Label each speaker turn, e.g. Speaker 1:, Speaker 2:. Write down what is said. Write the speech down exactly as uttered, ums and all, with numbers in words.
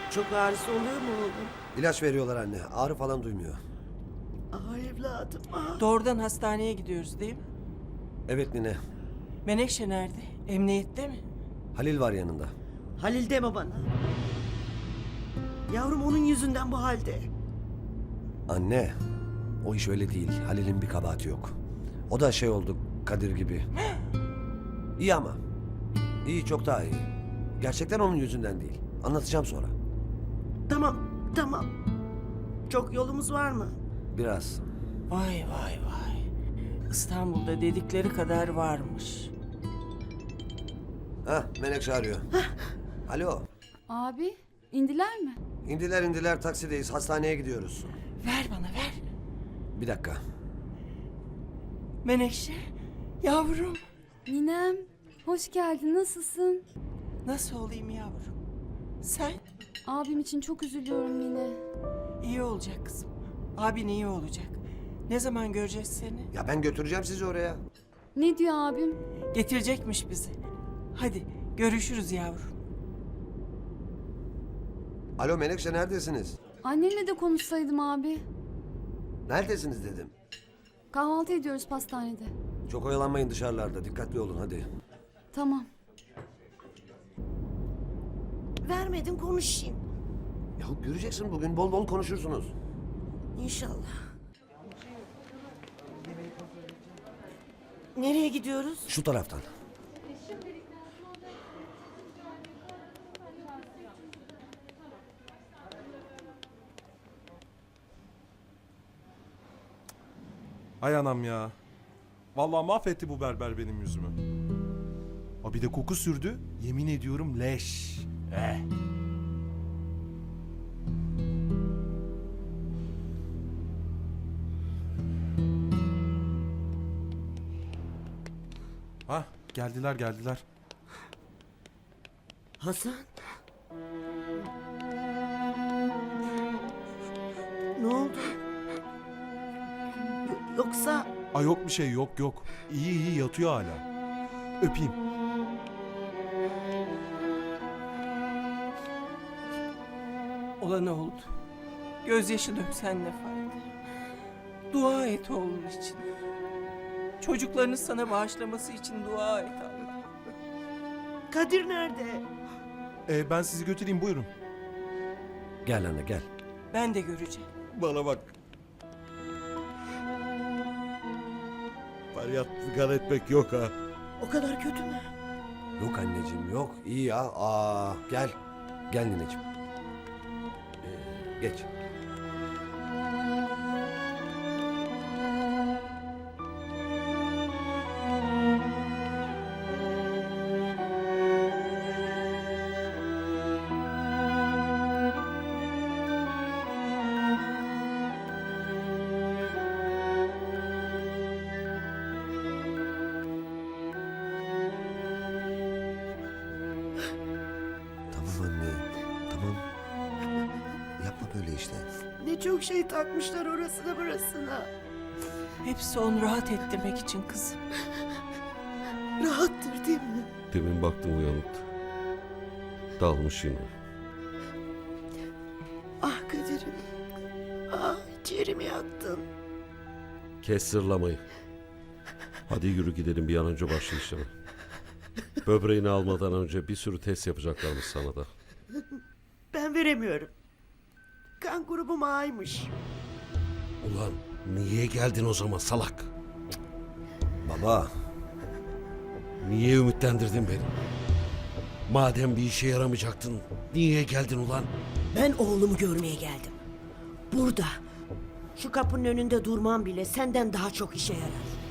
Speaker 1: Çok ağrısı oluyor mu oğlum?
Speaker 2: İlaç veriyorlar anne. Ağrı falan duymuyor.
Speaker 1: Ah evladım ah.
Speaker 3: Doğrudan hastaneye gidiyoruz değil mi?
Speaker 2: Evet nine.
Speaker 3: Menekşe nerede? Emniyette mi?
Speaker 2: Halil var yanında.
Speaker 1: Halil deme bana. Yavrum onun yüzünden bu halde.
Speaker 2: Anne. O iş öyle değil. Halil'in bir kabahati yok. O da şey oldu Kadir gibi. İyi ama. İyi, çok daha iyi. Gerçekten onun yüzünden değil. Anlatacağım sonra.
Speaker 1: Tamam tamam. Çok yolumuz var mı?
Speaker 2: Biraz.
Speaker 3: Vay vay vay. İstanbul'da dedikleri kadar varmış.
Speaker 2: Hah, Menekşe arıyor. Alo.
Speaker 4: Abi, indiler mi?
Speaker 2: İndiler indiler, taksideyiz. Hastaneye gidiyoruz.
Speaker 3: Ver bana ver.
Speaker 2: Bir dakika.
Speaker 3: Menekşe, yavrum.
Speaker 4: Ninem, hoş geldin. Nasılsın?
Speaker 3: Nasıl olayım yavrum? Sen
Speaker 4: Abim için çok üzülüyorum yine.
Speaker 3: iyi olacak kızım. Abin iyi olacak. Ne zaman göreceğiz seni?
Speaker 2: Ya ben götüreceğim sizi oraya.
Speaker 4: Ne diyor abim?
Speaker 3: Getirecekmiş bizi. Hadi görüşürüz yavrum.
Speaker 2: Alo Menekşe, neredesiniz?
Speaker 4: Annemle de konuşsaydım abi.
Speaker 2: Neredesiniz dedim.
Speaker 4: Kahvaltı ediyoruz pastanede.
Speaker 2: Çok oyalanmayın dışarılarda. Dikkatli olun hadi.
Speaker 4: Tamam.
Speaker 1: Vermedin konuşayım.
Speaker 2: Ya göreceksin, bugün bol bol konuşursunuz.
Speaker 1: İnşallah. Nereye gidiyoruz?
Speaker 2: Şu taraftan.
Speaker 5: Hay anam ya. Vallahi mahvetti bu berber benim yüzümü. Ha bir de koku sürdü. Yemin ediyorum leş. Eh. Ha geldiler geldiler.
Speaker 1: Hasan. Ne oldu? Y- yoksa
Speaker 5: Ay yok bir şey yok yok. İyi iyi yatıyor hala. Öpeyim.
Speaker 3: Olan oldu. Gözyaşı döksen ne fayda? Dua et oğlun için. Çocuklarını sana bağışlaması için dua et Allah.
Speaker 1: Kadir nerede?
Speaker 5: Ee, ben sizi götüreyim buyurun.
Speaker 2: Gel anne gel.
Speaker 3: Ben de göreceğim.
Speaker 6: Bana bak. Feryat figan etmek yok ha.
Speaker 1: O kadar kötü mü?
Speaker 2: Yok anneciğim yok. İyi ya. Aa, gel. Gel nineciğim. Ee, geç. Tamam anne. Tamam. Yapma böyle işte.
Speaker 1: Ne çok şey takmışlar orasına burasına.
Speaker 3: Hepsi onu rahat ettirmek için kızım.
Speaker 1: Rahattır değil mi?
Speaker 6: Demin baktım uyanıktı. Dalmış yine.
Speaker 1: Ah Kadir'im. Ah ciğerimi yaktın.
Speaker 6: Kes sırlamayı. Hadi yürü gidelim bir an önce başla işleme. Böbreğini almadan önce bir sürü test yapacaklarmış sana da.
Speaker 1: Ben veremiyorum. Kan grubum A'ymış.
Speaker 6: Ulan niye geldin o zaman salak?
Speaker 2: Baba.
Speaker 6: Niye ümitlendirdin beni? Madem bir işe yaramayacaktın niye geldin ulan?
Speaker 1: Ben oğlumu görmeye geldim. Burada. Şu kapının önünde durmam bile senden daha çok işe yarar.